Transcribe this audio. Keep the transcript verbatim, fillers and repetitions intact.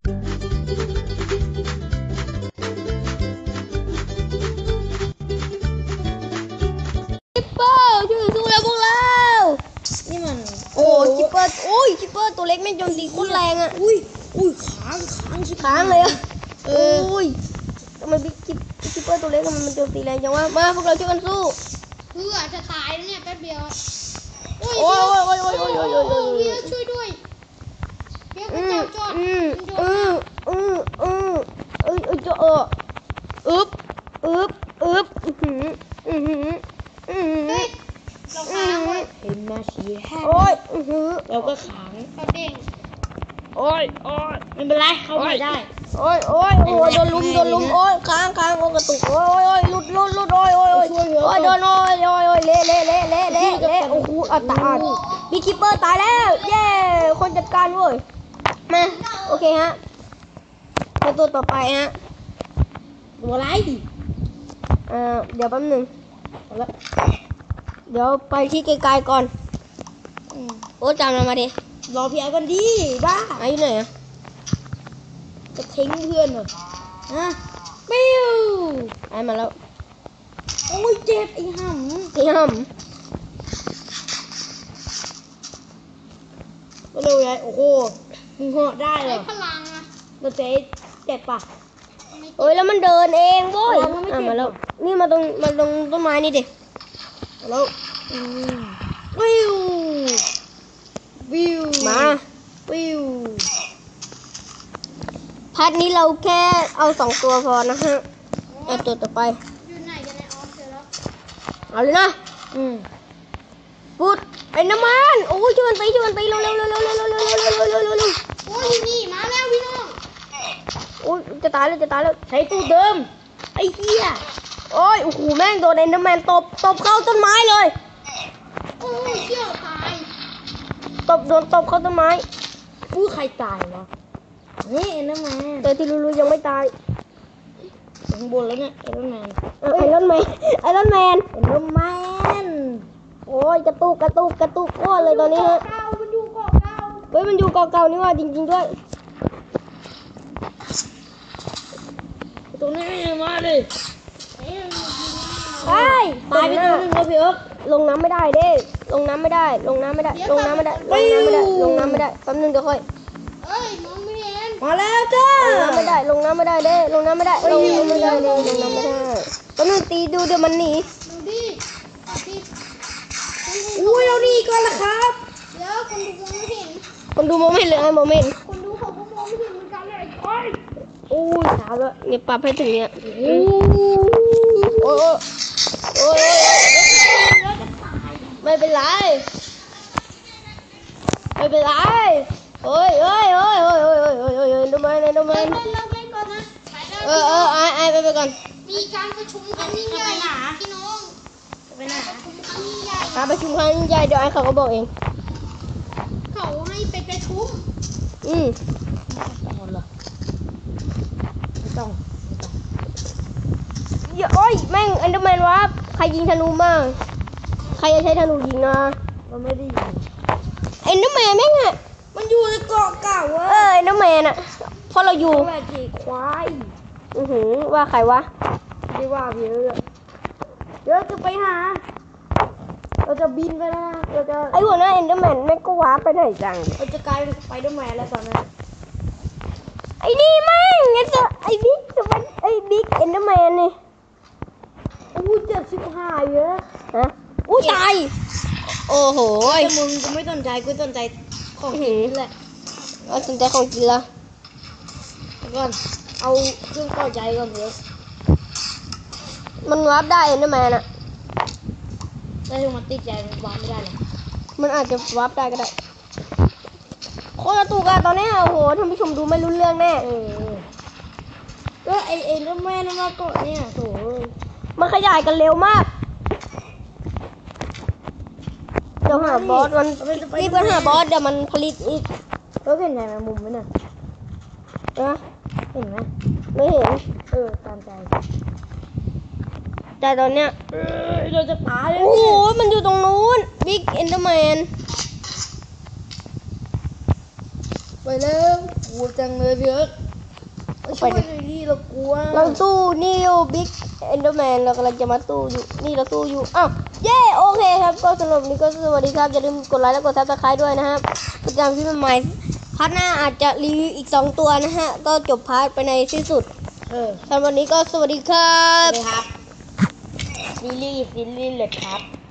คิปเปอร์ช่วยสู้แล้วพวกเรานี่มันโอ้คิปเปอร์โอ้ยคิปเปอร์ตัวเล็กไม่โจมตีโคตรแรงอ่ะอุ้ยอุ้ยค้างค้างชิค้างเลยอ่ะเอออุ้ยทำไมบิ๊กคิปคิปเปอร์ตัวเล็กมันมันโจมตีแรงจังวะมาพวกเราช่วยกันสู้เพื่อจะตายแล้วเนี่ยแป๊บเดียวโอ้ยโอ้ยโอ้ยโอ้ยโอ้ยโอ้ยโอ้ยโอ้ยเพียช่วยด้วยเพียพระเจ้าจอดอืมอืมอืมอืมเอ้ยเอ้ยจะเอออึ๊บอึ๊บอึ๊บอือหืออือหืออือหือเฮ้ยเราค้างเว้ยเห็นมาชี้แห้งโอ้ยอือหือเราก็ค้างเราเด้งโอ้ยโอ้ยไม่เป็นไรเข้าไปได้โอ้ยโอ้ยโอ้ยโดนลุมโดนลุมโอ้ยค้างค้างโอ้ยกระตุกโอ้ยโอ้ยโอ้ยหลุดหลุดหลุดโอ้ยโอ้ยโอ้ยโอ้ยโดนโอ้ยโอ้ยโอ้ยเละเละเละเละเละเละโอ้โหอัตตาบิ๊กคิปเปอร์ตายแล้วเย้คนจัดการเว้ยมาโอเคฮะมาตัวต่อไปฮะตัวอะไรเอ่อเดี๋ยวแป๊บนึงเดี๋ยวไปที่ไกลๆก่อนโอ้จำเรามาดิรอพี่ไอ้กันดีบ้าไอ้อยู่ไหนอะจะทิ้งเพื่อนเหรอฮะปิ้วไอ้มาแล้วโอ้ยเจ็บไอ้ห่ำไอ้ห่ำก็เลยไงโอ้โหมึงเหาะได้เหรอพลังอะมันเจ๊เจ็บปะโอ้ยแล้วมันเดินเองโว้ยอ่ะมาแล้วนี่มาตรงมาตรงต้นไม้นี่ดิมาแล้ววิววิวมาวิวพาร์ทนี้เราแค่เอาสองตัวพอนะฮะเอาตัวต่อไปอยู่ไหนกันในออฟเจอแล้วเอาเลยนะอืมพูดไอ้น้ำมันโอ้ยชวนไปชวนไปเร็วเร็วเร็วเร็วเร็วเร็วเร็วเร็วเร็วเร็วเร็วเร็วโอ้ยนี่มาแล้วพี่น้องโอ้ยจะตายแล้วจะตายแล้วใช้ตู้เดิมไอ้เหี้ยโอ้ยโอ้โหแม่งโดนไอ้น้ำมันตบตบเข้าต้นไม้เลยโอ้ยเชี่ยวตายตบโดนตบเข้าต้นไม้อู้ใครตายวะนี่ไอ้น้ำมันแต่ที่รู้ๆยังไม่ตายข้างบนแล้วเนี่ยไอ้น้ำมันไอ้รอนแมนไอ้รอนแมนไอ้น้ำมันโอ้ยกระตุกกระตุกกระตุกก้อนเลยตอนนี้ฮะมันอยู่เกาะเก่าเฮ้ยมันอยู่เกาะเก่านี่ว่าจริงๆด้วยตรงนี้มาดิไปตายไปตัวนึงแล้วพี่เอิ๊กลงน้ำไม่ได้เด้ลงน้ำไม่ได้ลงน้ำไม่ได้ลงน้ำไม่ได้ลงน้ำไม่ได้ลงน้ำไม่ได้แป๊บนึงเดี๋ยวค่อยเอ้ยมองไม่เห็นมาแล้วจ้าลงน้ำไม่ได้ลงน้ำไม่ได้เด้ลงน้ำไม่ได้ลงน้ำไม่ได้ลงน้ำไม่ได้แป๊บนึงตีดูเดี๋ยวมันหนีดูดิอุ้ยเราหนีก่อนละครับเดี๋ยวคนดูมองไม่เห็นคนดูมองไม่เห็นเลยไอ้มองไม่เห็นคนดูเขาก็มองไม่เห็นเหมือนกันเลยโอ้ยโอ้ยสาวแล้วเนี่ยปรับให้ถึงเนี่ยโอ้โอ้โอ้ไม่เป็นไรไม่เป็นไรโอ้ยโอ้ยโอ้ยโอ้ยโอ้ยโอ้ยโอ้ยโอ้ยดูมันดูมันเออเออไอ้ไอ้ไปไปก่อนมีการประชุมครั้งยิ่งใหญ่พี่น้องไปไหนประชุมครั้งยิ่งใหญ่การประชุมครั้งยิ่งใหญ่เดี๋ยวไอ้เขาก็บอกเองเขาให้ไปประชุมอืมต้องหรอไม่ต้องอย่าโอ้ยแม่งอันเดอร์แมนวะใครยิงธนูมาใครจะใช้ธนูยิงนะมันไม่ได้ยิงไอ้เดอร์แมนแม่งอะมันอยู่ในเกาะเก่าเว้ยเออไอ้เดอร์แมนอะพอเราอยู่แม่จีควายอือหือว่าใครวะไม่ว่าเยอะเดี๋ยวจะไปหาเราจะบินไปนะเราจะไอ้หัวหน้าเอ็นเดอร์แมนแม่งก็ว้าไปไหนจังเราจะกลายเป็นสไปเดอร์แมนแล้วตอนนั้นไอ้นี่แม่งไอ้ตัวไอ้บิ๊กตัวไอ้บิ๊กเอ็นเดอร์แมนนี่อู้เจ็บชิบหายเยอะฮะอู้ตายโอ้โหแต่มึงกูไม่สนใจกูสนใจของกินแหละเอาสนใจของกินละก่อนเอาเครื่องต่อใจก่อนเถอะมันวาร์ปได้เอ็นเดอร์แมนอะแต่ถ้ามันติดใจมันวาร์ปไม่ได้หรอกมันอาจจะวาร์ปได้ก็ได้โคตรตุกอะตอนนี้โอ้โหท่านผู้ชมดูไม่รู้เรื่องแน่เออก็ไอเอ็นเดอร์แมนมาเกาะเนี่ยโถ่มันขยายกันเร็วมากเดี๋ยวหาบอสมันรีบไปหาบอสเดี๋ยวมันผลิตอีกแล้วเห็นไงมันมุมไหมเนี่ยนะเห็นไหมไม่เห็นเออตามใจแต่ตอนเนี้ยเราจะตายเลยโอ้โหมันอยู่ตรงนู้นบิ๊กเอ็นเดอร์แมนไปเร็วลัวจังเลยพี่เอิร์ธช่วยหน่อยดิเรากลัวเราสู้นิวบิ๊กเอนเดอร์แมนเรากำลังจะมาสู้อยู่นี่เราสู้อยู่อ้าวเย้โอเคครับก็สำหรับวันนี้ก็สวัสดีครับอย่าลืมกดไลค์และกดซับสไครต์ด้วยนะครับประจำที่ใหม่พาร์ทหน้าอาจจะรีวิวอีกสองตัวนะฮะก็จบพาร์ทไปในที่สุดเออสำหรับวันนี้ก็สวัสดีครัสวับสดีครับซีรีส์ซีรีส์เลยครับ